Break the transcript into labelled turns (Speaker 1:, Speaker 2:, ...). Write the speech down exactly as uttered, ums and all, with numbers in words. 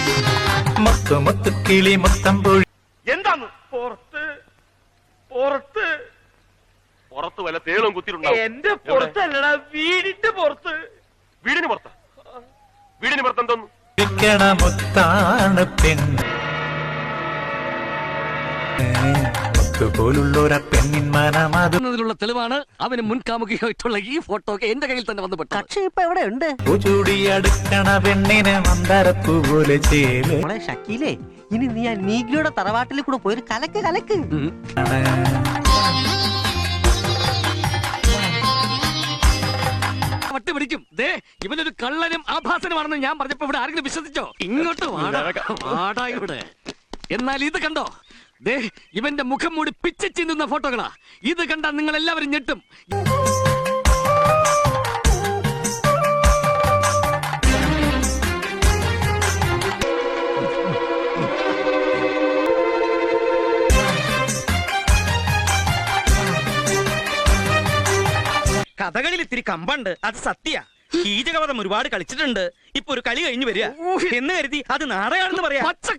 Speaker 1: മുത്തു മുത്തു കിളി മുത്തം പൊഴി.
Speaker 2: എന്താണ് പുറത്ത് പുറത്ത്
Speaker 3: പുറത്ത് വല്ല തേളും കുത്തിയിട്ടുണ്ടാവും.
Speaker 2: എന്റെ പുറത്തല്ലടാ, വീടിന്റെ പുറത്ത്.
Speaker 3: വീടിന് പുറത്ത വീടിന് പുറത്ത് എന്തോന്നു
Speaker 1: വിക്കണ മുത്താണ് പെണ്ണ്. മുത്തുപോലുള്ളൊരു പെണ്ണിൻ മനം അത്
Speaker 4: ുള്ള തെളിവാണ് അവന് മുൻകാമുകിയായിട്ടുള്ള ഈ ഫോട്ടോ എന്റെ കയ്യിൽ തന്നെ വന്നു പെട്ടു.
Speaker 5: കക്ഷി ഇപ്പൊ എവിടെ ഉണ്ട്?
Speaker 1: ചൂടി അടുക്കണ പെണ്ണിന് മന്ദരപ്പൂ പോലെ ചേല്.
Speaker 5: മോളെ ഷക്കീലേ, ഇനി നീ ആ നീഗ്ലിയുടെ തറവാട്ടിൽ കൂടെ പോയി ഒരു കലക്ക് കലക്ക്.
Speaker 4: വട്ടി പിടിക്കും. ദേ ഇവനൊരു കള്ളനും ആഭാസനുമാണെന്ന് ഞാൻ പറഞ്ഞപ്പോ ഇവിടെ ആരെങ്കിലും വിശ്വസിച്ചോ? ഇങ്ങോട്ട് വാടാ ഇവിടെ. എന്നാൽ ഇത് കണ്ടോ, ദേ ഇവന്റെ മുഖം മൂടി പിച്ച ചിന്തുന്ന ഫോട്ടോകളാ. ഇത് കണ്ടാ നിങ്ങൾ എല്ലാവരും ഞെട്ടും.
Speaker 6: കഥകളിൽ ഇത്തിരി കമ്പുണ്ട്, അത് സത്യ. കീചകവധം ഒരുപാട് കളിച്ചിട്ടുണ്ട്. ഇപ്പൊ ഒരു കളി കഴിഞ്ഞു വരിക എന്ന് കരുതി അത് നാടകമാണെന്ന് പറയാം.
Speaker 4: പച്ച